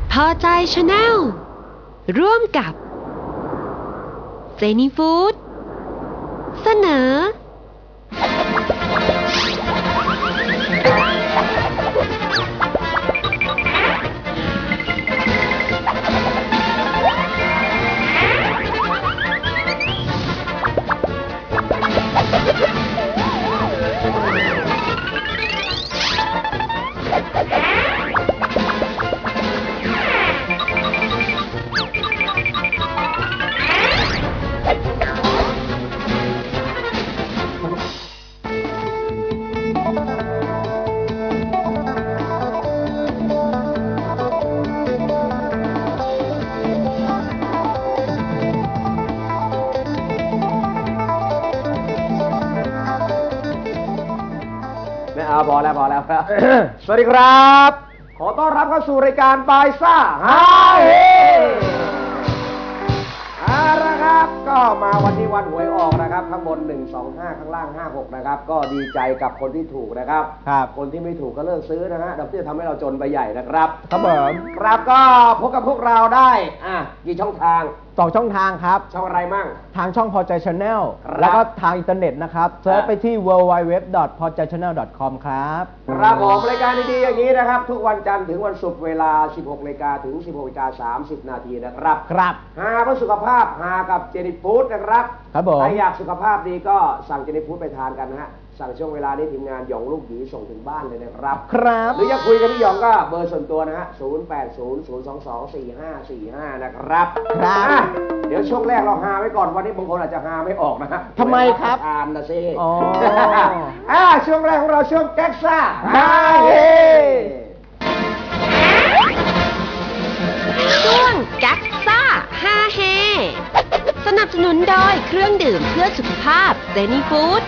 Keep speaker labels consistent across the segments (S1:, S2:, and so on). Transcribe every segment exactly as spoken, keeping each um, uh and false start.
S1: พอใจชาแนลร่วมกับเจนี่ฟู้ดเสนอ
S2: พอแล้วพอแล้วครับ สวัสดีครับขอต้อนรับเข้าสู่รายการบายซ่าฮาเฮเอาละครับก็มาวันที่วันหวยออกนะครับข้างบนหนึ่ง สอง ห้าข้างล่างห้า หกนะครับก็ดีใจกับคนที่ถูกนะครับครับคนที่ไม่ถูกก็เลิกซื้อนะฮะดอกเบี้ยทำให้เราจนไปใหญ่นะครับครับผมครับก็พบกับพวกเราได้อ่ะกี่ช่องทาง
S3: สองช่องทางครับ
S2: ช่องอะไรมั่ง
S3: ทางช่องพอใจ Channel แล้วก็ทางอินเทอร์เน็ตนะครับเซิร์ชไปที่ ดับเบิลยู ดับเบิลยู ดับเบิลยู ดอท พอใจ ชาแนล ดอท คอม ครับ
S2: ครับผมรายการดีๆอย่างนี้นะครับทุกวันจันทร์ถึงวันศุกร์เวลา สิบหกนาฬิกา ถึง สิบหกนาฬิกาสามสิบ นาทีนะครับ
S3: ครับ
S2: หาเพื่อสุขภาพหากับเจนี่ฟู้ดนะครับ
S3: ครับผม
S2: ใครอยากสุขภาพดีก็สั่งเจนี่ฟู้ดไปทานกันนะฮะสั่งช่วงเวลานี้ทีมงานหยองลูกหยีส่งถึงบ้านเลยนะครับ
S3: ครับ
S2: หรืออยากคุยกับพี่หยองก็เบอร์ส่วนตัวนะฮะศูนย์ แปด ศูนย์ ศูนย์ สอง สอง สี่ ห้า สี่ ห้านะครับ
S3: ครับ
S2: เดี๋ยวช่วงแรกเราหาไว้ก่อนวันนี้บางคนอาจจะหาไม่ออกนะฮะ
S3: ทำไมครับ
S2: ทานนะซิ
S3: อ๋อ
S2: อ่าช่วงแรกของเราช่วงแก๊กซ่าฮาเฮ
S1: ช่วงแก๊กซ่าฮาเฮสนับสนุนโดยเครื่องดื่มเพื่อสุขภาพเจนี่ฟู้ด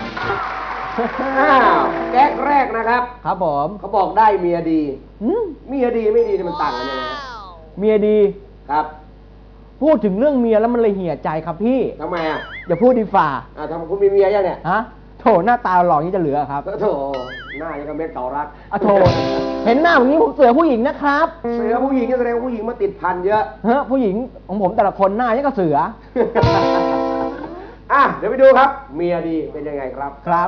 S2: แก๊กแรกนะครับ
S3: ครับผม
S2: เขาบอกได้เมียดีเมียดีไม่ดีมันต่างกันยังไง
S3: เมียดี
S2: ครับ
S3: พูดถึงเรื่องเมียแล้วมันเลยเหี่ยใจครับพี่
S2: ทำไมอ่ะ
S3: อย่าพูดดีฝ่า
S2: อ่าทำคุณมีเมียยังเนี่ย
S3: ฮะโถหน้าตาหล่อนี้จะเหลือครับ
S2: โถหน้ายังกับเม็ดเก่ารัก
S3: อ่ะโถเห็นหน้าอย่างนี้ผมเสือผู้หญิงนะครับ
S2: เสือผู้หญิงก็แสดงผู้หญิงมาติดพันเยอะ
S3: เฮ้ผู้หญิงของผมแต่ละคนหน้ายังกับเสือ
S2: อ่ะเดี๋ยวไปดูครับเมียดีเป็นยังไงครับ
S3: ครับ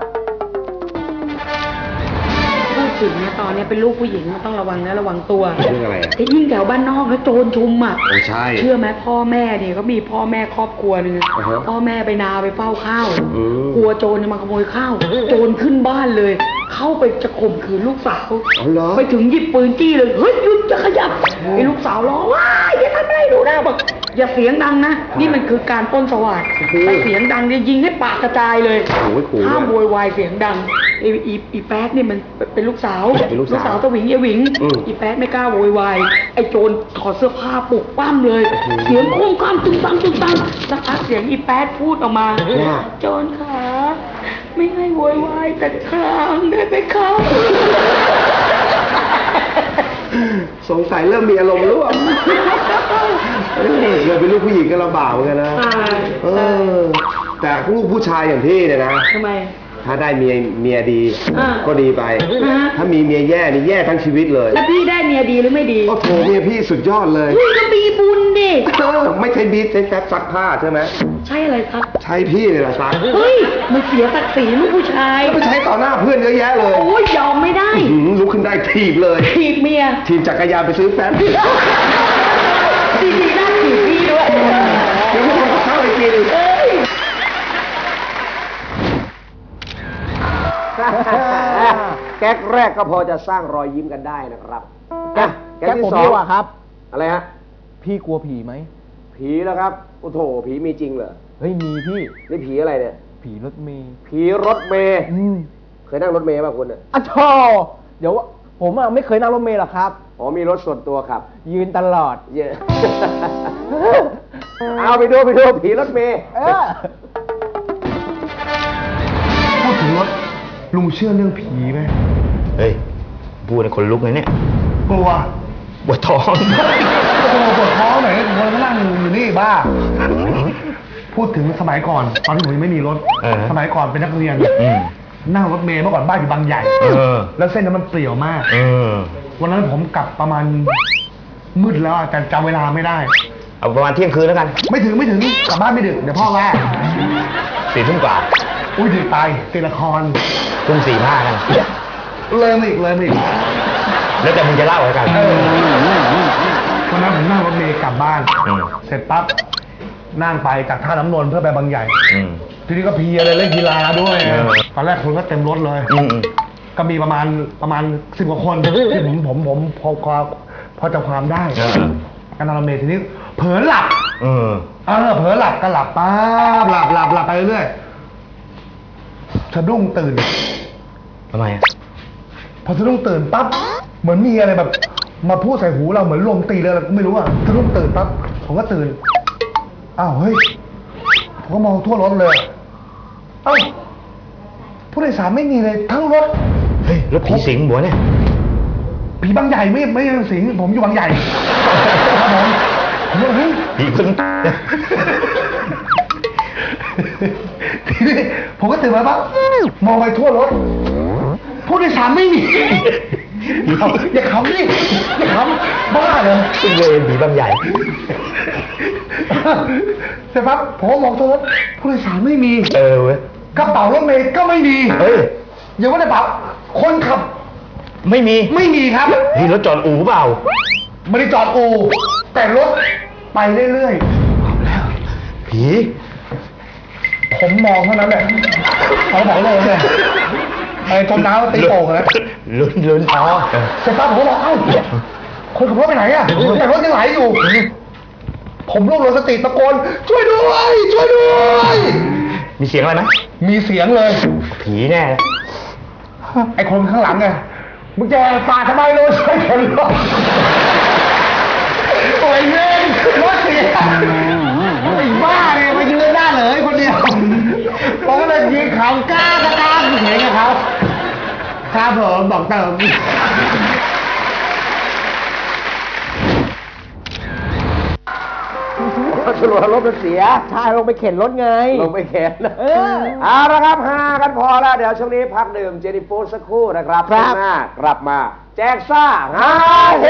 S4: พูดถึงเนี่ยตอนนี้เป็นลูกผู้หญิงมันต้องระวังนะระวังตัว
S2: เรื่องอะไรอ่ะ
S4: ไอ้ยิ่งแถวบ้านนอกแล้วโจรชุมอ่ะ
S2: ใช่
S4: เชื่อไหมพ่อแม่เนี่ยเขามีพ่อแม่ครอบครัวนึงพ่อแม่ไปนาไปเฝ้าข้าวกลัวโจรจะมาขโมยข้าวโจรขึ้นบ้านเลยเข้าไปจะข่มขืนลูกสาวไปถึงหยิบปืนจี้เลยเฮ้ยหยุดจะขยับไอ้ลูกสาวร้องว้ายอย่าทำอะไรดูนะบอกอย่าเสียงดังนะนี่มันคือการปล้นสวัสดิ์ถ้าเสียงดังจะยิงให้ปากกระจายเลยห้ามโวยวายเสียงดังไอ้อีอีแป๊ดนี่มันเป็นลูกสาวลูกสาวตะหวิงยะหวิงอีแป๊ดไม่กล้าโวยวายไอ้โจรถอดเสื้อผ้าปลุกปั้มเลยเสียงโค้งข้ามตึงตังตึงตังสักพักเสียงอีแป๊ดพูดออกมาโจรขาไม่ให้โวยวายแต่ครางได้ไหมครับ
S2: สงสัยเริ่มมีอารมณ์ร่วมเราเป็นลูกผู้หญิงก็ลำบากเหมือนกันนะเออแต่ลูกผู้ชายอย่างพี่เนี่ยนะ
S4: ทำไม
S2: ถ้าได้เมียเมียดีก็ดีไปถ้ามีเมียแย่นี่แย่ทั้งชีวิตเลย
S4: แล้วพี่ได้เมียดีหรือไม่ดี
S2: โอ้โหเมียพี่สุดยอดเลย
S4: พี่ก็มีบุญดิ
S2: ไม่ใช่บีทใช้แฟบซักผ้าใช่ไหม
S4: ใช่อะไรครับ
S2: ใช่พี่เลยล่ะซัก
S4: เฮ้ยมันเสียศักดิ์ศรีลูกผู้ชาย
S2: แล้วไปใช้ต่อหน้าเพื่อนเยอะแยะเลย
S4: โอ้ยยอมไม่ได้
S2: ลุกขึ้นได้ถีบเลย
S4: ถีบเมีย
S2: ถีบจักรยานไปซื้อแฟบ
S4: ดีดีน่าถีบพี่ด้วย
S2: เดี๋ยวพวกเราเข้าไปกินแก๊กแรกก็พอจะสร้างรอยยิ้มกันได้นะครับ
S3: แก๊กที่สองครับ
S2: อะไรฮะ
S3: พี่กลัวผีไหม
S2: ผีแล้วครับโอ้โถผีมีจริงเหรอ
S3: เฮ้ยมีพี่
S2: นี่ผีอะไรเนี่ย
S3: ผีรถเมย์
S2: ผีรถเมย์เคยนั่งรถเมย์ป่ะคุณอ่ะ
S3: อ่ะโธ่เดี๋ยวผมอ่ะไม่เคยนั่งรถเมย์หรอกครับ
S2: อ๋อมีรถส่วนตัวครับ
S3: ยืนตลอด
S2: เยอะเอาไปดูไปดูผีรถเมย์พูดถึงรถลุงเชื่อเรื่องผีไหม
S5: เฮ้ยพูดในคนลุกเลยเนี่ย
S2: กลัว
S5: ปวดท้อง
S2: กลัวปวดท้องหน่อยคนมานั่งอยู่นี่บ้าพูดถึงสมัยก่อนตอนที่ผมยังไม่มีรถสมัยก่อนเป็นนักเรียนนั่งรถเมล์เมื่อก่อนบ้านอยู่บางใหญ่แล้วเส้นนั้นมันเปลี่ยวมากวันนั้นผมกลับประมาณ
S6: มืดแล้วอะแต่จำเวลาไม่ได้
S5: เอาประมาณเที่ยงคืนแล้วกัน
S6: ไม่ถึงไม่ถึงกลับบ้านไม่ดึกเดี๋ยวพ่อว่า
S5: สี่ทุ่มกว่า
S6: อุ้ยดึกไปติดละคร
S5: ทุ่มสี่ห้ากัน
S6: เลยมาอีกเลยมาอีก
S5: แล้วแต่มึงจะเล่าแล้วกัน
S6: เออวันนั้นผมนั่งรถเมล์กลับบ้าน
S5: อืม
S6: เสร็จปั๊บนั่งไปจากท่าน้ำนนท์เพื่อไปบางใหญ่
S5: อืม
S6: ทีนี้ก็เพลียเลยเล่นกีฬาด้วย
S5: เออ
S6: ตอนแรกคนก็เต็มรถเลย
S5: อืมอืม
S6: ก็มีประมาณประมาณสิบกว่าคนที่ผมผมผมพอพอพอจำความได้
S5: เออ
S6: การนั่งรถเมล์ทีนี้เผลอหลับ
S5: เออ
S6: เออเผลอหลับก็หลับป๊าบหลับหลับหลับไปเรื่อยๆสะดุ้งตื่น
S5: ทำไมอ่ะ
S6: พอสะดุ้งตื่นปั๊บเหมือนมีอะไรแบบ มาพูดใส่หูเราเหมือนลมตีเลยอะไรก็ไม่รู้อ่ะสะดุ้งตื่นปั๊บผมก็ตื่นอ้าวเฮ้ยผมก็มองทั่วรถเลยเอ้าผู้โดยสารไม่มีเลยทั้งรถ
S5: เฮ้ยรถผีสิงบัวเนี่ย
S6: ผีบางใหญ่ไม่ไม่ใช่สิงผมอยู่บางใหญ่ครับผมผมว่าเฮ้ย
S5: ผีคน
S6: ทีนี้ผมก็ตื่นมาปั๊บมองไปทั่วรถผู้โดยสารไม่มีอย่าอย่าขำดิอย่าขำบ้าเลย
S5: ซึ่งเวรผีบางใหญ่
S6: เสร็จปั๊บผมก็มองทั่วรถผู้โดยสารไม่มี
S5: เออเว้ย
S6: กระเป๋ารถเมล์ก็ไม่มี
S5: เฮ้ย
S6: อย่าว่าแต่กระเป๋าคนขับ
S5: ไม่มี
S6: ไม่มีครับ
S5: เฮ้ยรถจอดอู่เปล่า
S6: ไม่ได้จอดอู่แต่รถไปเรื่อย
S5: ผี
S6: ๆผมมองเท่านั้นแหละเขาบอกเลยเนี่ยไอ้จมน้ำตีโป่งแล้ว
S5: ลุ้นลุ้นอ๋อ
S6: เสร็จปั๊บผมก็บอกเอ้าคนขับรถไปไหนอ่ะแต่รถยังไหลอยู่ ผมรวบรวมสติตะโกนช่วยด้วยช่วยด้วย
S5: มีเสียงอะไรไหม
S6: มีเสียงเลย
S5: ผีแน่
S6: ไอ้คนข้างหลังไงมึงจะสาดทำไมเลยช่วยคนรถโอ้ยเล่นรถเสียไอ้บ้าเนี่ยมายืนหน้าเลยคนเดียวผมก็เลยยืนเขากล้ากล้ากล้าเห็นกับเขาครับผมบอกเติม
S2: สรุปว่ารถมันเสีย
S3: ใช่ลงไปเข็นรถไง
S2: ลงไปเข็น
S3: เออ
S2: เอาละครับหากันพอแล้ว เดี๋ยวช่วงนี้พักดื่มเจนี่ฟู้ดสักครู่นะครับ
S3: ครับ
S2: ช่วงหน้ากลับมา แจกซ่าฮาเฮ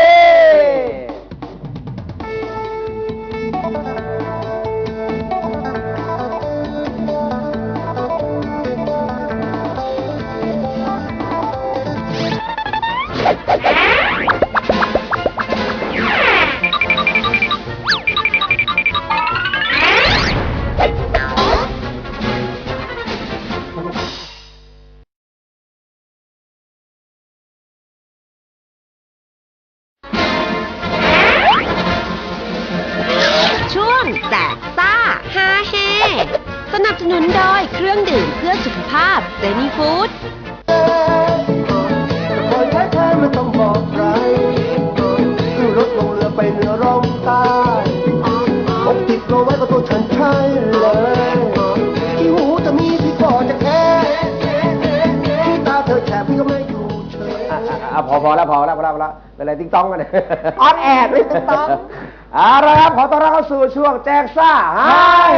S1: ช่วงแจกซ่าฮาเฮสนับสนุนโดยเครื่องดื่มเพื่อสุขภาพเจนี่ฟู้ด
S7: คอยแท้แท้ไม่ต้องบอกใครขึ้นรถลงเรือไปเหนือร่องใต้อกติดตัวไว้ก็ตัวฉันใช่เลยที่หูจะมีพี่ก็จะแค่ที่ตาเธอแฉพี่ก็ไม่อยู่เฉย
S2: อ่ะอ่ะอ่ะพอพอแล้วพอแล้วพอแล้วพอแล้วเป็นอะไรติ๊งต้องกันเนี่ย
S3: ออนแอร์ไม่ติ๊งต๊อง
S2: เอาละครับขอต้อนรับเข้าสู่ช่วงแจกซ่าฮาเฮ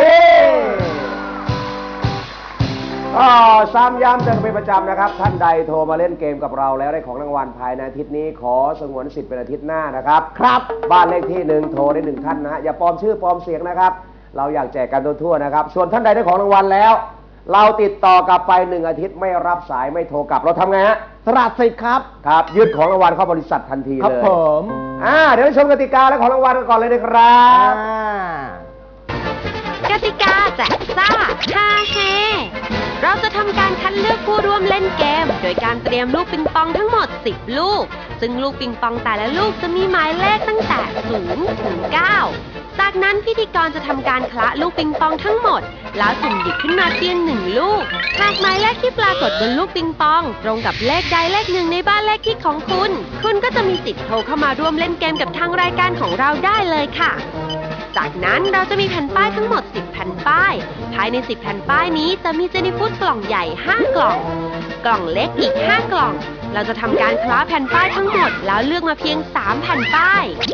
S2: ก็ซ้ำย้ำเตือนเป็นประจำนะครับ ท่านใดโทรมาเล่นเกมกับเราแล้วได้ของรางวัลภายในอาทิตย์นี้ขอสงวนสิทธิ์เป็นอาทิตย์หน้านะครับ ครับบ้านเลขที่หนึ่งโทรได้หนึ่งท่านนะฮะอย่าปลอมชื่อปลอมเสียงนะครับ เราอยากแจกกันทั่วๆนะครับ ส่วนท่านใดได้ของรางวัลแล้ว เราติดต่อกลับไปหนึ่งอาทิตย์ไม่รับสายไม่โทรกลับเราทำไงฮะ
S3: สลัดสิทธิ์ครับ
S2: ครับยึดของรางวัลเข้าบริษัททันทีเลย
S3: ครับผม
S2: อ่าเดี๋ยวไปชมกติกาและของรางวัลกันก่อนเลยนะครับ
S3: อ่า
S1: กติกาแจกซ่าฮาเฮเราจะทำการคัดเลือกผู้ร่วมเล่นเกม โดยการเตรียมลูกปิงปองทั้งหมดสิบลูก ซึ่งลูกปิงปองแต่ละลูกจะมีหมายเลขตั้งแต่ศูนย์ถึงเก้าจากนั้นพิธีกรจะทำการคละลูกปิงปองทั้งหมด แล้วสุ่มหยิบขึ้นมาเพียงหนึ่งลูก หากหมายเลขที่ปรากฏบนลูกปิงปอง ตรงกับเลขใดเลขหนึ่งในบ้านเลขที่ของคุณ คุณก็จะมีสิทธิ์โทรเข้ามาร่วมเล่นเกมกับทางรายการของเราได้เลยค่ะ จากนั้นเราจะมีแผ่นป้ายทั้งหมดสิบแผ่นป้าย ภายในสิบแผ่นป้ายนี้จะมีเจนี่ฟู้ดกล่องใหญ่ห้ากล่อง กล่องเล็กอีกห้ากล่อง เราจะทำการคล้าแผ่นป้ายทั้งหมดแล้วเลือกมาเพียงสามแผ่นป้าย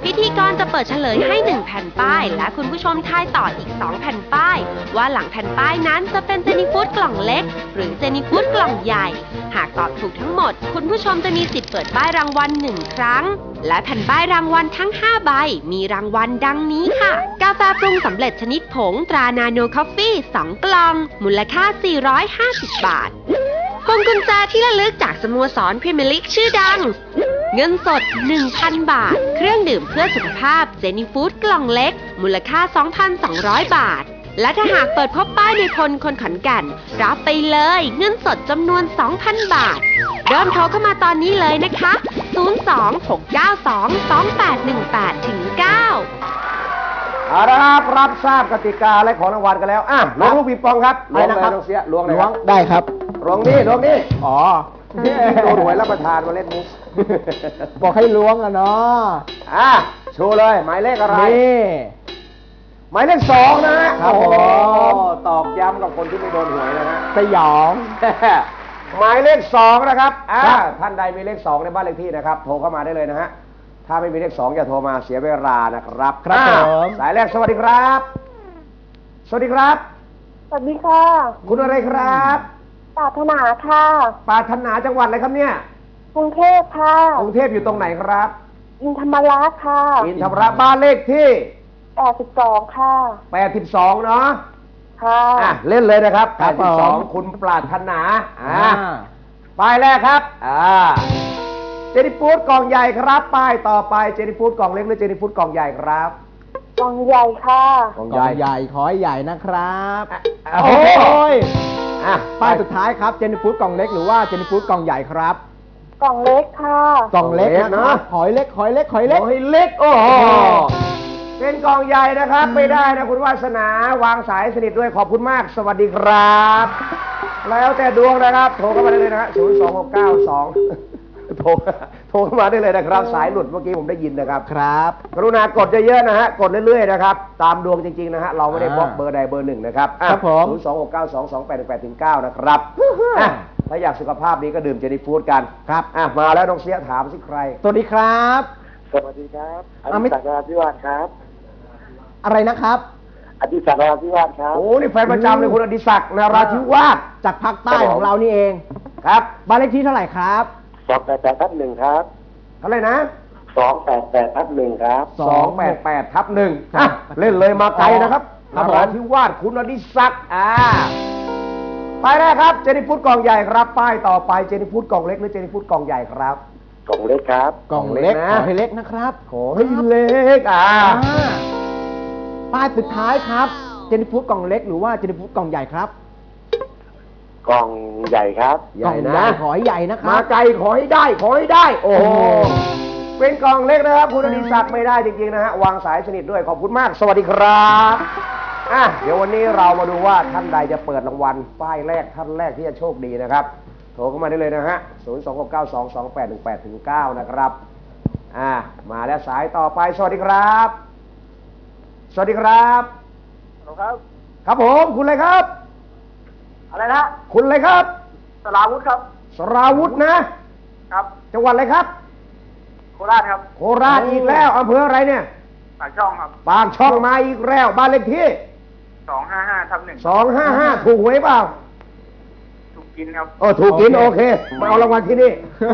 S1: พิธีกรจะเปิดเฉลยให้หนึ่งแผ่นป้ายและคุณผู้ชมทายต่ออีกสองแผ่นป้ายว่าหลังแผ่นป้ายนั้นจะเป็นเจนี่ฟู้ดกล่องเล็กหรือเจนี่ฟู้ดกล่องใหญ่หากตอบถูกทั้งหมดคุณผู้ชมจะมีสิทธิ์เปิดป้ายรางวัลหนึ่งครั้งและแผ่นป้ายรางวัลทั้งห้าใบมีรางวัลดังนี้ค่ะกาแฟปรุงสำเร็จชนิดผงตรานาโนคอฟฟี่สองกล่องมูลค่าสี่ร้อยห้าสิบบาทพวงกุญแจที่ระลึกจากสโมสรพรีเมียร์ลีกชื่อดังเงินสด หนึ่งพัน บาทเครื่องดื่มเพื่อสุขภาพเจนี่ฟู้ดกล่องเล็กมูลค่า สองพันสองร้อย บาทและถ้าหากเปิดพบป้ายในพลคนขอนแก่นรับไปเลยเงินสดจำนวน สองพัน บาทเริ่มโทรเข้ามาตอนนี้เลยนะคะศูนย์ สอง หก เก้า สอง สอง แปด หนึ่ง แปด ถึง เก้า
S2: เอาละครับรับทราบกติกาและของรางวัลกันแล้วอ่ะล้วงลูกปิงปองครับล้วงเลยน้องเสียล้วงเลยครับ
S3: ได้ครับ
S2: ล้วงนี่ล้วงนี่
S3: อ๋อ
S2: โดนหวยรับประทานมาเล่นมุก
S3: บอกให้ล้วงอะเนาะ
S2: อ่ะโชว์เลยหมายเลขอะไร
S3: นี่
S2: หมายเลขสองนะฮะ
S3: ครับผม
S2: โอ้โหตอกย้ำกับคนที่ไม่โดนหวยนะฮะ
S3: สยอง
S2: หมายเลขสองนะครับอ่า
S3: ครับ
S2: ท่านใดมีเลขสองในบ้านเลขที่นะครับโทรเข้ามาได้เลยนะฮะถ้าไม่มีเลขสองอย่าโทรมาเสียเวลานะครับ
S3: ครับ
S2: อ่า
S3: ผม
S2: สายแรกสวัสดีครับ สวัสดีครับ
S8: สวัสดีค่ะ
S2: คุณอะไรครับ
S8: ปรารถนาค่ะ
S2: ปรารถนาจังหวัดอะไรครับเนี่ย
S8: กรุงเทพค่ะ
S2: กรุงเทพอยู่ตรงไหนครับ
S8: อินธรรมราชค่ะ
S2: อินทรราบ้านเลขที่
S8: แปดสิบสองค่ะ
S2: แปดสิบสองเนาะ
S8: ค่ะ
S2: อ่ะเล่นเลยนะครับ
S3: ครับ
S2: แปดสิบสอง
S3: ผม
S2: คุณปรารถนาอ่า
S3: อ่า
S2: ป้ายแรกครับอ่าเจนิฟูดกล่องใหญ่ครับป้ายต่อไปเจนิฟูดกล่องเล็กหรือเจนิฟูดกล่องใหญ่ครับ
S8: กล่องใหญ่ค่ะ
S2: กล่อง
S3: ก
S2: ให
S3: ล่
S2: ญ่
S3: องใหญ่ขอให้ใหญ่นะครับ
S2: อ่ะ
S3: โอ้
S2: โอ้โห
S3: ย
S2: อ่ะ
S3: ป้ายสุดท้ายครับเจนฟูดกล่องเล็กหรือว่าเจนฟูดกล่องใหญ่ครับ
S8: กล่องเล็กค่ะ
S3: กล่องเล็กนะครับหอยเล็กหอยเล็กหอยเล็ก
S2: โอ้ยเล็กโอ้โหเป็นกล่องใหญ่นะครับไม่ได้นะคุณวาสนาวางสายสนิทด้วยขอบคุณมาก สวัสดีครับ แล้วแต่ดวงนะครับโทรเข้ามาได้เลยนะฮะศูนย์ สอง หก เก้า สองโทรโทรเข้ามาได้เลยนะครับสายหลุดเมื่อกี้ผมได้ยินนะครับ
S3: ครับ
S2: กรุณากดเยอะๆนะฮะกดเรื่อยๆนะครับตามดวงจริงๆนะฮะเราไม่ได้บล็อกเบอร์ใดเบอร์หนึ่งนะครับ
S3: ครับผม
S2: ศูนย์ สอง หก เก้า สอง สอง แปด หนึ่ง แปด ถึง เก้านะครับอ่ะถ้าอยากสุขภาพดีก็ดื่มเจนี่ฟู้ดกัน
S3: ครับ
S2: อ่ะมาแล้วน้องเสียถามสิใคร
S3: สวัสดีครับ
S7: สวัสดีครับอ
S3: อ่ะ
S7: ดิ
S3: ไม่
S7: ศักดิ์นราธิวาสครับ
S3: อะไรนะครับ
S7: อดิศักดิ์นราธิวาสครับ
S2: โอ้นี่แฟนประจำเลยคุณอดิศักดิ์นราธิวาส
S3: จากภาคใต้ของเรานี่เอง
S2: ครับ
S3: บ้านเลขที่เท่าไหร่ครับ
S7: สองแปดแปดทับหนึ่งครับ
S2: เท่าไหร่นะ
S7: สองแปดแปดทับหนึ่งครับ
S3: ส
S2: ส
S3: อ
S2: อง งแปดแปดทับหนึ่ง
S3: ครับ
S2: เล่นเลยมาไกลนะครับ
S3: ครั
S2: น
S3: บผม
S2: ราธิวาสคุณอดิศักดิ์อ่าไปแรกครับเจนี่ฟู้ดกล่องใหญ่ครับ ป้ายต่อไปเจนี่ฟู้ดกล่องเล็กหรือเจนี่ฟู้ดกล่องใหญ่ครับ
S7: กล่องเล็กครับ
S3: กล่องเล็ก
S2: นะ
S3: ขอให้เล็กนะครับ
S2: ขอให้เล็กอ่า
S3: อ่าป้ายสุดท้ายครับเจนฟูดกล่องเล็กหรือว่าเจนฟูดกล่องใหญ่ครับ
S7: กล่องใหญ่ครับ
S2: ใหญ่
S3: กล่อง
S2: นะ
S3: ใหญ่ขอให้ใหญ่นะค
S2: มา
S3: รับ
S2: ไกลขอให้ได้ขอให้ได้ โอ้โหเป็นกล่องเล็กนะครับ คุณอดิศักดิ์ไม่ได้จริงๆนะฮะวางสายสนิทด้วยขอบคุณมาก สวัสดีครับอ่ะเดี๋ยววันนี้เรามาดูว่าท่านใดจะเปิดรางวัลป้ายแรกท่านแรกที่จะโชคดีนะครับ โทรเข้ามาได้เลยนะฮะศูนย์ สอง หก เก้า สอง สอง แปด หนึ่ง แปด ถึง เก้านะครับอ่ามาแล้วสายต่อไปสวัสดีครับ สวัสดีครับ
S7: ครับ
S2: ครับผมคุณอะไรครับ
S7: อะไรนะ
S2: คุณอะไรครับ
S7: สลาวุธครับ
S2: สราวุธนะ
S7: ครับ
S2: จังหวัดอะไรครับ
S7: โคราชครับ
S2: โคราชอีกแล้วอำเภออะไรเนี่ย
S7: ปากช่องครับ
S2: ปากช่องมาอีกแล้วบ้านเลขที่
S7: สองห้าห้าทับหนึ่ง
S2: สองห้าห้าถูกหวยเปล่า
S7: ถูกกินครับ
S2: โอ้ถูกกินโอเคมาเอารางวัลที่นี่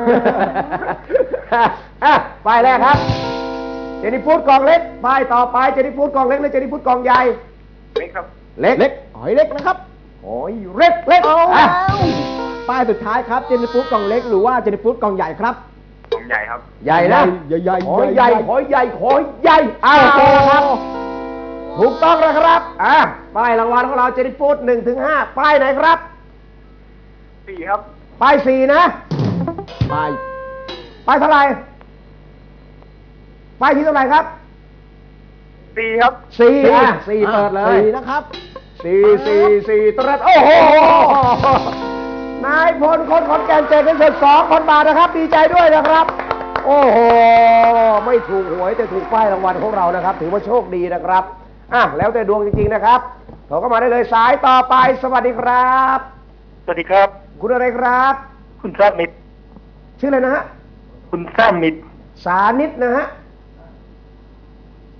S2: อ่ะป้ายแรกครับเจนี่ฟูดกล่องเล็กป้ายต่อไปเจนี่ฟูดกล่องเล็กหรือเจนี่ฟูดกล่องใหญ่
S7: เล็กครับ
S2: เล็ก
S3: เล็กหอยเล็กนะครับ
S2: โอ้ยเล็กเล็ก
S3: เอา
S2: อ่ะ
S3: แล้วป้ายสุดท้ายครับเจนฟูดกล่องเล็กหรือว่าเจนฟูดกล่องใหญ่ครับ
S7: กล่องใหญ่ครับ
S2: ใหญ่นะ
S3: ใหญ่ใหญ่
S2: ขอ
S3: ให
S2: ให
S3: ญ่
S2: ญ่ขอใหญ่ขอใหญ่อ้าวโอเคครับ ถูกต้องแล้วครับ อ่ะ ป้ายรางวัลของเราเจนิฟูดหนึ่งถึงห้าป้ายไหนครับ
S7: สี่ครับ
S2: ป้ายสี่นะ
S3: ป้าย
S2: ป้ายเท่าไหร่ ป้ายที่เท่าไหร่ครับ
S7: สี่ครับ
S2: สี่อ่ะสี่เปิดเลย
S3: สี่นะครับ
S2: สี่สี่สี่ตรัสโอ้โห นายพลคนขอนแก่นเจ็ดเป็นเศษสองพันบาทนะครับ ดีใจด้วยนะครับ โอ้โห ไม่ถูกหวยแต่ถูกป้ายรางวัลของเรานะครับ ถือว่าโชคดีนะครับ อ่ะ แล้วแต่ดวงจริงๆนะครับโทรเข้ามาได้เลยสายต่อไป สวัสดีครับ
S7: สวัสดีครับ
S2: คุณอะไรครับ
S7: คุณสามิต
S2: ชื่ออะไรนะฮะ
S7: คุณสามิต
S2: สานิตนะฮะ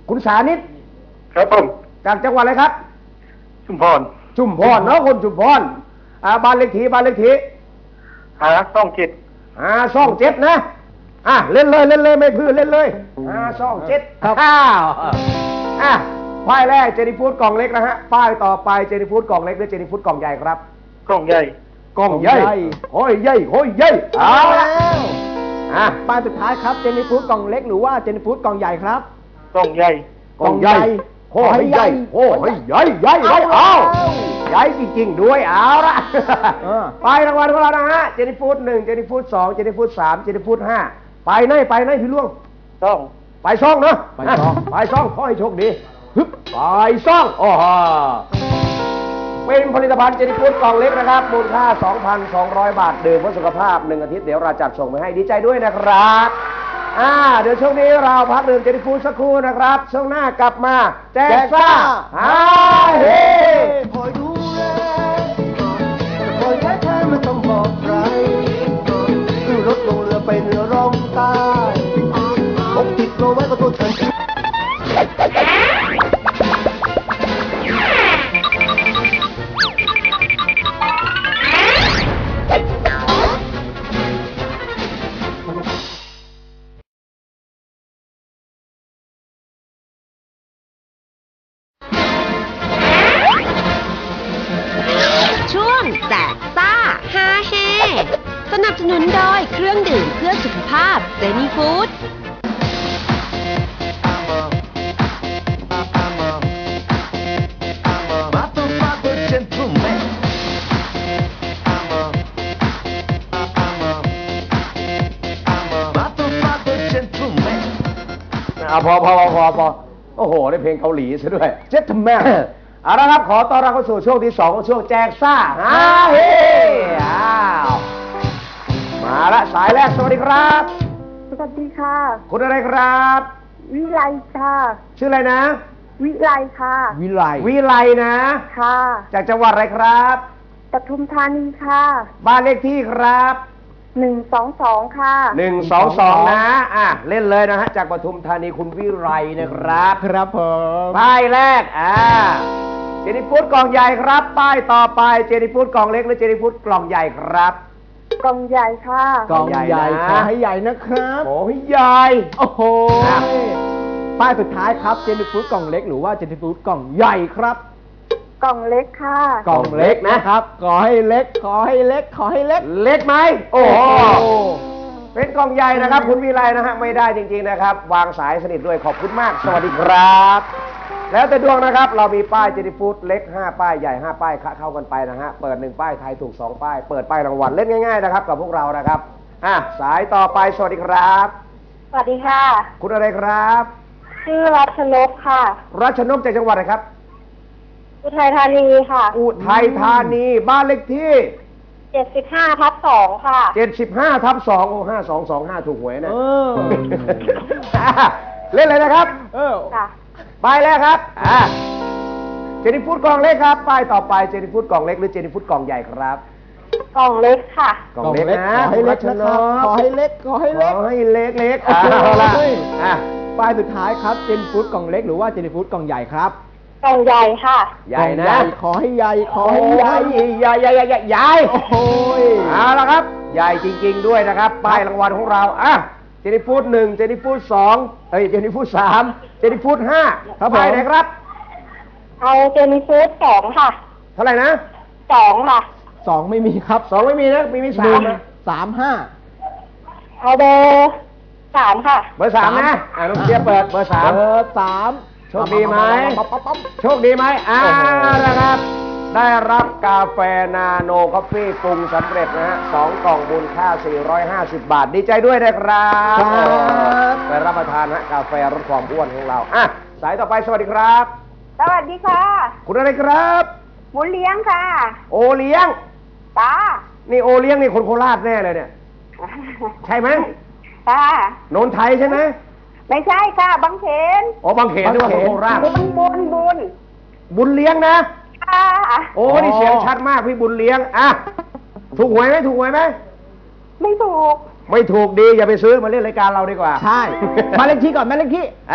S2: คุณสานิต
S6: ครับผม
S2: จากจังหวัดอะไรครับ
S6: ชุมพร
S2: ชุมพรเนาะคนชุมพรอ่าบ้านเลขที่บ้านเลขที่
S6: หาต้องจิต
S2: อ่าซ่องเจ็ดนะอ่ะเล่นเลยเล่นเลยไม่พื้นเล่นเลยอ่าซ่องเจ็ดครับอ้าวอ่ะป้ายแรกเจนี่ฟูดกล่องเล็กนะฮะป้ายต่อไปเจนี่ฟูดกล่องเล็กหรือเจนี่ฟูดกล่องใหญ่ครับ
S6: กล่องใหญ่
S2: กล่องใหญ่โอ้ยใหญ่โอ้ยใหญ่เอา
S3: เอา
S2: ละ
S3: แล้ว
S2: อ่ะ
S3: ป้ายสุดท้ายครับเจนี่ฟูดกล่องเล็กหรือว่าเจนี่ฟูดกล่องใหญ่ครับ
S6: กล่องใหญ่
S2: กล่องใหญ่โอ้ยใหญ่โอ้ยใหญ่ใหญ่ใหญ่เอาใหญ่จริงๆด้วยเอาละ
S3: เออ
S2: ไปรางวัลของเรานะฮะเจนี่ฟูดหนึ่งเจนี่ฟูดสองเจนี่ฟูดสามเจนี่ฟูดห้าไปไหนไปไหนพี่ล่วง
S6: ต้อง
S2: ไปซ่องเนาะ
S3: ไปซ่อง
S2: ไปซ่องขอให้โชคดีฮึบไปซ่องโอ้โหเป็นผลิตภัณฑ์เจนี่ฟูดกล่องเล็กนะครับมูลค่า สองพันสองร้อย บาทดื่มเพื่อสุขภาพหนึ่งอาทิตย์เดี๋ยวเราจัดส่งไปให้ดีใจด้วยนะครับอ่าเดี๋ยวช่วงนี้เราพักดื่มเจนี่ฟูดสักครู่นะครับช่วงหน้ากลับมาแจกซ่าฮาเฮ
S7: คอยดูแลจะคอยแค่เธอไม่ต้องบอกใครขึ้นรถลงเรือไปเหนือร่องใต้ปกติดเราไว้ก็ตัวฉัน
S1: ช่วงแจกซ่าฮาเฮสนับสนุนโดยเครื่องดื่มเพื่อสุขภาพเจนี่ฟู้ด
S2: อ่าพอพอพอพอพอโอ้โหได้เพลงเกาหลีซะด้วยเจ็ดทำแม่เอาละครับขอต้อนรับเข้าสู่ช่วงที่สองของช่วงแจกซ่าฮาเฮอ้าวมาละสายแรกสวัสดีครับ
S8: สวัสดีค่ะ
S2: คุณอะไรครับ
S8: วิไลค่ะ
S2: ชื่ออะไรนะ
S8: วิไลค่ะ
S3: วิไล
S2: วิไลนะ
S8: ค่ะ
S2: จากจังหวัดอะไรครับ
S8: ปทุมธานีค่ะ
S2: บ้านเลขที่ครับ
S8: หนึ่งสองสองค่ะ
S2: หนึ่งสองสองนะอ่ะเล่นเลยนะฮะจากปทุมธานีคุณวิไลนะครับ
S3: ครับผม
S2: ป้ายแรกอ่าเจนี่ฟูดกล่องใหญ่ครับ ป้ายต่อไปเจนี่ฟูดกล่องเล็กหรือเจนี่ฟูดกล่องใหญ่ครับ
S8: กล่องใหญ่ค่ะ
S3: กล่องใหญ่
S2: ใหญ่นะ
S3: ขอให้ใหญ่นะครับ
S2: โอ้ยใหญ่
S3: โอ้โห
S2: อ่ะ
S3: ป้ายสุดท้ายครับเจนี่ฟูดกล่องเล็กหรือว่าเจนี่ฟูดกล่องใหญ่ครับ
S8: กล่องเล็กค่ะ
S3: กล่องเล็กนะครับ ขอให้เล็ก ขอให้เล็ก ขอให้เล็ก
S2: เล็กไหมโอ้โห
S3: โอ้
S2: เป็นกล่องใหญ่นะครับ คุณวิไลนะฮะไม่ได้จริงๆนะครับ วางสายสนิทด้วยขอบคุณมาก สวัสดีครับ แล้วแต่ดวงนะครับ เรามีป้ายเจนี่ฟูดเล็กห้าป้ายใหญ่ห้าป้ายเข้ากันไปนะฮะเปิดหนึ่งป้ายทายถูกสองป้ายเปิดป้ายรางวัลเล่นง่ายๆนะครับกับพวกเรานะครับอ่ะสายต่อไปสวัสดีครับ
S8: สวัสดีค่ะ
S2: คุณอะไรครับ
S8: ชื่อรัชนกค่ะ
S2: รัชนกจากจังหวัดอะไรครับ
S8: อุทัยธานีค่ะ
S2: อุทัยธานีบ้านเลขที่
S8: เจ็ดสิบห้าทับสองค่ะ
S2: เจ็ดสิบห้าทับสองโอ้ห้าสองสองห้าถูกหวยนะ
S3: เออ
S2: เล่นเลยนะครับ
S3: เออ
S8: ค่ะ
S2: ป้ายแรกครับอ่าเจนี่ฟูดกล่องเล็กครับป้ายต่อไปเจนี่ฟูดกล่องเล็กหรือเจนี่ฟูดกล่องใหญ่ครับ
S8: กล่องเล็กค่ะ
S2: กล่องเล็กนะ
S3: ขอให้เล็ก
S2: รัช
S3: นะ
S2: น
S3: ครับ
S2: ก
S3: ขอให้เล็ก ขอให้เล็ก
S2: ขอให้เล็กเล็ก
S3: โอ้
S2: เอา
S3: โห
S2: ละอ่ะ
S3: ป้ายสุดท้ายครับเจนี่ฟูดกล่องเล็กหรือว่าเจนี่ฟูดกล่องใหญ่ครับ
S8: กล่องใหญ่ค่ะ
S2: ใหญ่นะ
S3: กล่องขอให้ใหญ่ ขอให้ใหญ่
S2: ใหญ่ใหญ่ใหญ่ใหญ่ใหญ่
S3: โอ้โหย
S2: เอาละครับ ใหญ่จริง ๆ ด้วยนะครับ ป้ายรางวัลของเราอ่ะเจนี่ฟูดหนึ่งเจนี่ฟูดสองเอ้ยเจนี่ฟูดสามเจนี่ฟูดห้า
S3: ครับผม
S2: ป้ายไหนครับ
S8: เอาเจนี่ฟูดสองค่ะ
S2: เท่าไหร่นะ
S8: สองค่ะ
S3: สองไม่มีครับ
S2: สองไม่มีนะมีมี
S3: ห
S2: สา
S3: นึ่
S2: ม
S3: ง
S2: นะ
S3: สามห้า
S8: เอาเบอร์สามค่ะ
S2: เบอร์สามนะอ่าน้องเชียร์เปิดเบอร์สาม
S3: เบอร์สาม
S2: โชคดีไหม
S3: ปั๊บปั๊บปั๊บ
S2: โชคดีไหมอ่า
S3: โอ้โห
S2: นะครับ ได้รับกาแฟนาโนคอฟฟี่ปรุงสำเร็จนะฮะสองกล่องมูลค่า สี่ร้อยห้าสิบ บาท ดีใจด้วยนะครับ
S3: ครับ
S2: ไปรับประทานฮะกาแฟลดความอ้วนของเราอ่ะสายต่อไปสวัสดีครับ
S8: สวัสดีค่ะ
S2: คุณอะไรครับ
S8: หมูเลี้ยงค่ะ
S2: โอเลี้ยง
S8: ตา
S2: นี่โอเลี้ยงนี่คนโคราชแน่เลยเนี่ย ใช่ไหม
S8: ค่ะ
S2: โนนไทยใช่ไหม
S8: ไม่ใช่ค่ะ บางเขน
S2: อ๋อบางเขนด้วยว่าคนโคราช
S8: บุญบุญบุญ
S2: บุญเลี้ยงนะ
S8: ค่ะ
S2: โอ้นี่เสียงชัดมากพี่บุญเลี้ยงอ่ะถูกหวยไหมถูกหวยไหม
S8: ไม่ถูก
S2: ไม่ถูกดีอย่าไปซื้อมาเล่นรายการเราดีกว่า
S3: ใช่ มาเลขที่ก่อนมาเลขที่
S2: อ่ะ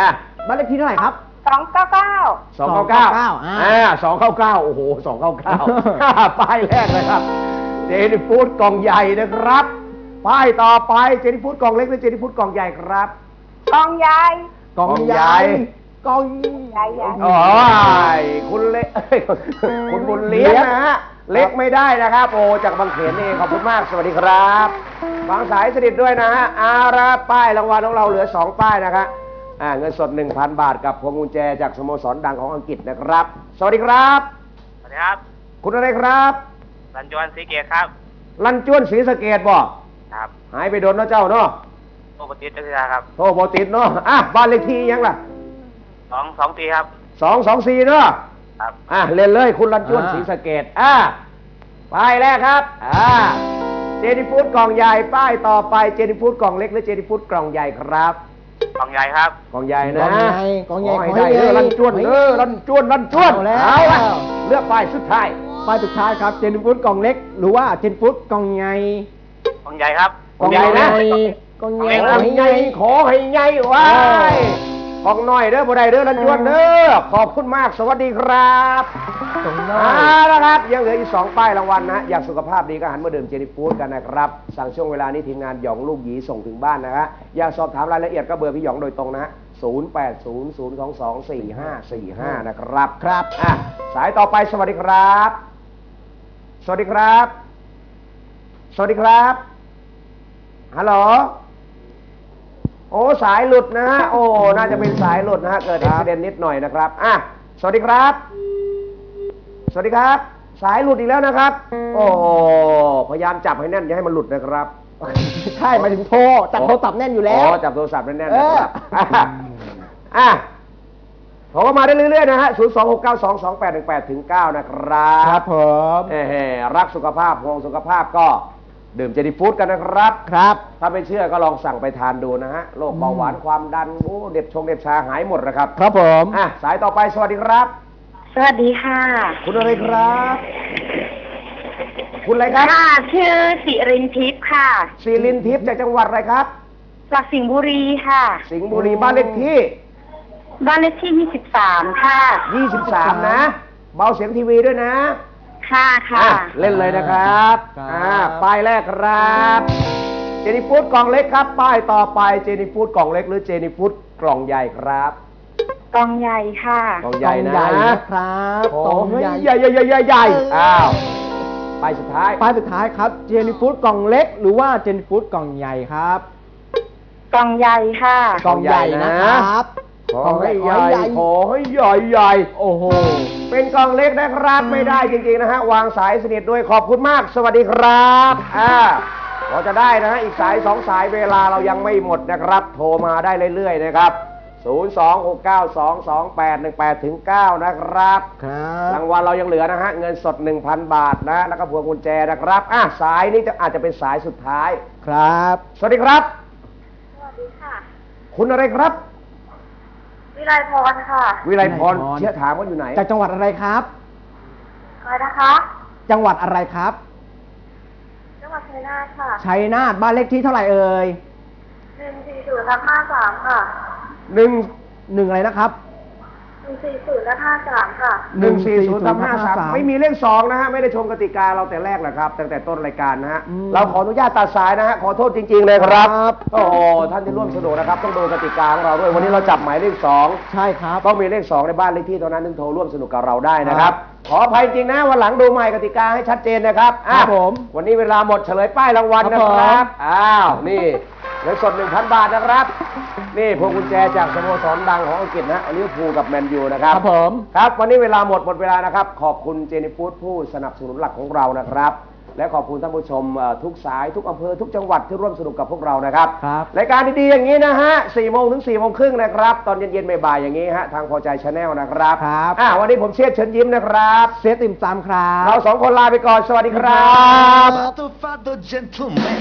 S3: บ้านเลขที่เท่าไหร่ครับ
S8: สองเก้าเก้า
S2: สองเก้าเก้า
S3: อ่า
S2: อ่าสองเก้าเก้าโอ้โหสองเก้าเก้าป้ายแรกเลยครับเจนี่ฟู้ดกล่องใหญ่นะครับป้ายต่อไปเจนี่ฟู้ดกล่องเล็กหรือเจนี่ฟู้ดกล่องใหญ่ครับ
S8: กองใหญ่
S3: กล่องใหญ่กล่อง
S8: ใหญ่ใหญ่
S2: โอ้ยคุณเล็ก คุณบุญเลี้ยงนะฮะเล็กไม่ได้นะครับ โอ้จากบางเขนนี่ขอบคุณมากสวัสดีครับฟังสายสนิทด้วยนะฮะอาระป้ายรางวัลของเราเหลือสองป้ายนะครับอ่าเงินสด หนึ่งพัน บาทกับพวงกุญแจจากสโมสรดังของอังกฤษนะครับ สวัสดีครับ
S9: สวัสดีครับ
S2: คุณอะไรครับ
S9: รันจวนศรีเกตครับ
S2: ลันจวนศรีสะเกดบ่
S9: ครับ
S2: หายไปโดนเนาะเจ้าเนาะ
S9: โอปติสเจ้าครับ
S2: โทรบติดเนาะอ่ะบ้านเลขที่ยังล่ะ
S9: สองสองตีครับ
S2: สองสองสี่เนาะ
S9: ครับ
S2: อ่ะเล่นเลยคุณลันจวนศรีสะเกดอ่ะป้ายแรกครับอ่าเจนี่ฟู้ดกล่องใหญ่ป้ายต่อไปเจนี่ฟู้ดกล่องเล็กหรือเจนี่ฟู้ดกล่องใหญ่ครับ
S9: กองใหญ่ครับ
S2: กล่องใหญ่นะ
S3: กล่องใหญ่กล่องใหญ่
S2: ขอให้
S3: ขอให้
S2: ได้เด้อ
S3: ใหญ่
S2: ลันจวนเออลันจวนลันจวน
S3: เอาแล้ว
S2: เอาละเลือกป้ายสุดท้าย
S3: ป้ายสุดท้ายครับเจนฟูดกล่องเล็ก หรือว่าเจนฟูดกล่องใหญ่
S9: กองใหญ่ครับ
S2: กล่องใหญ่นะ
S3: กล่อง
S2: ข
S3: ใหญ่
S2: อให้ใหญ่ขอให้ใหญ่ไว้กล่องน้อยเด้อบ่ได้เด้อลันจวนเด้อขอบคุณมากสวัสดีครับ
S3: กล่องน้อ
S2: เอา
S3: ย
S2: ละครับยังเหลืออีกสองป้ายรางวัลนะอยากสุขภาพดีก็หันมาดื่มเจนี่ฟู้ดกันนะครับสั่งช่วงเวลานี้ทีมงานหยองลูกหยีส่งถึงบ้านนะฮะอยากสอบถามรายละเอียดก็เบอร์พี่หยองโดยตรงนะฮะศูนย์ แปด ศูนย์ ศูนย์ สอง สอง สี่ ห้า สี่ ห้านะครับครับอ่ะสายต่อไปสวัสดีครับ สวัสดีครับ สวัสดีครับฮัลโหลโอ้สายหลุดนะฮะโอ้น่าจะเป็นสายหลุดนะฮะเกิดอุบิเหตุนิดหน่อยนะครับอ่ะสวัสดีครับ สวัสดีครับ สายหลุดอีกแล้วนะครับ โอ้พยายามจับให้แน่นอย่าให้มันหลุดนะครับ
S3: ใช่หมายถึงโทรจับโทรศัพท์แน่นอยู่แล้ว
S2: อ๋อจับโทรศัพท์แน่นๆนะครับอ่ะโทรมาได้เรื่อยๆนะฮะศูนย์ สอง หก เก้า สอง สอง แปด หนึ่ง แปด ถึง เก้านะครับ
S3: ครับผม
S2: เอ่อรักสุขภาพห่วงสุขภาพก็ดื่มเจนี่ฟู้ดกันนะครับ
S3: ครับ
S2: ถ้าไม่เชื่อก็ลองสั่งไปทานดูนะฮะโรคเบาหวานความดันโอ้เด็บชงเด็บชาหายหมดนะครับ
S3: ครับผม
S2: อ่ะสายต่อไปสวัสดีครับ
S8: สวัสดีค่ะ
S2: คุณอะไรครับ คุณอะไรครับ
S8: ค่ะชื่อสิรินทิพย์ค่ะ
S2: ศิรินทิพย์จากจังหวัดอะไรครับ
S8: จากสิงห์บุรีค่ะ
S2: สิงห์บุรีบ้านเลขที่
S8: บ้านเลขที่ยี่สิบสามค่ะ
S2: ยี่สิบสามนะ เบาเสียงทีวีด้วยนะ
S8: ค่ะค่ะ
S2: อ่ะเล่นเลยนะครับ
S3: ครับ
S2: อ่าป้ายแรกครับเจนี่ฟู้ดกล่องเล็กครับ ป้ายต่อไปเจนี่ฟู้ดกล่องเล็กหรือเจนี่ฟู้ดกล่องใหญ่ครับ
S8: กองใหญ่ค่ะ
S2: กล่องใหญ่นะ
S3: กล่องใหญ่นะครับ
S2: โอ้
S3: กล่อง
S2: ย
S3: ใหญ่
S2: ใหญ่ใหญ่ใหญ่ใหญ่ใหญ่อ้าวป้ายสุดท้าย
S3: ป้ายสุดท้ายครับเจนฟูดกล่องเล็ก หรือว่าเจนฟูดกล่องใหญ่ครับ
S8: กองใหญ่ค่ะ
S3: กล่องใหญ่นะครับ
S2: ขอให้ใหญ่ขอให้ใหญ่ใหญ่
S3: โอ้โห
S2: เป็นกล่องเล็กนะครับไม่ได้จริงๆนะฮะวางสายสนิทด้วยขอบคุณมาก สวัสดีครับอ่าเราจะได้นะฮะอีกสายสองสายเวลาเรายังไม่หมดนะครับ โทรมาได้เรื่อยๆนะครับศูนย์ สอง หก เก้า สอง สอง แปด หนึ่ง แปด ถึง เก้านะครับ
S3: ครับ
S2: รางวัลเรายังเหลือนะฮะเงินสด หนึ่งพัน บาทนะแล้วก็พวงกุญแจนะครับอ่ะสายนี้จะอาจจะเป็นสายสุดท้าย
S3: ครับ
S2: สวัสดีครับ
S8: สวัสดีค่ะ
S2: คุณอะไรครับ
S8: วิไลพรค่ะ
S2: วิไลพร
S3: วิไลพร
S2: เชี่ยถามว่าอยู่ไหน
S3: จากจังหวัดอะไรครับ
S8: อะไรนะคะ
S3: จังหวัดอะไรครับ
S8: จังหวัดชัยนาทค่ะ
S3: ชัยนาทบ้านเลขที่เท่าไหร่เอ่ย
S8: หนึ่งสี่ศูนย์และห้าสามค่ะ
S2: หนึ่ง
S3: หนึ่งอะไรนะครับ
S8: หนึ่งสี่ศูนย์และห้าสามค่ะ
S2: หนึ่งสี่ศูนย์สามห้าสาม
S3: หนึ่งสี่ศูนย์
S2: ไม่มีเลขสองนะฮะไม่ได้ชมกติกาเราแต่แรกแหละครับตั้งแต่ต้นรายการนะฮะ
S3: อืม
S2: เราขออนุญาตตัดสายนะฮะขอโทษจริง ๆ เลยครับ
S3: ครับ
S2: โอ้โหท่านที่ร่วมสนุกนะครับต้องดูกติกาของเราด้วยวันนี้เราจับหมายเลขสอง
S3: ใช่ครับ
S2: ต้องมีเลขสองในบ้านเลขที่เท่านั้นถึงโทรร่วมสนุกกับเราได้นะครับ ขออภัยจริงนะวันหลังดูใหม่กติกาให้ชัดเจนนะครับอ่ะ
S3: ครับผม
S2: วันนี้เวลาหมดเฉลยป้ายรางวัล
S3: ครับ
S2: นะครับ
S3: ผม
S2: อ้าวนี่เงินสด หนึ่งพัน บาทนะครับ นี่พวงกุญแจจากสโมสรดังของอังกฤษนะลิเวอร์พูลกับแมนยูนะครับ
S3: ครับผม
S2: ครับวันนี้เวลาหมดหมดเวลานะครับ ขอบคุณเจนี่ฟู้ดผู้สนับสนุนหลักของเรานะครับ และขอบคุณท่านผู้ชมเอ่อทุกสายทุกอำเภอทุกจังหวัดที่ร่วมสนุกกับพวกเรานะครับ
S3: ครับ
S2: รายการดีๆอย่างนี้นะฮะสี่โมงถึงสี่โมงครึ่งนะครับ ตอนเย็นๆบ่ายๆอย่างนี้ฮะทางพอใจชาแนลนะครับ
S3: ครับ
S2: อ่ะวันนี้ผมเชษฐ์เชิญยิ้มนะครับ
S3: เซตติ่มซำครับ
S2: เราสองคนลาไปก่อนสวัสดีครับ
S7: Father, father, gentleman.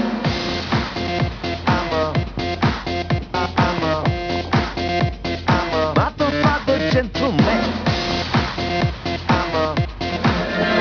S7: I'm a, I'm a, I'm a, father, father, gentleman. I'm a.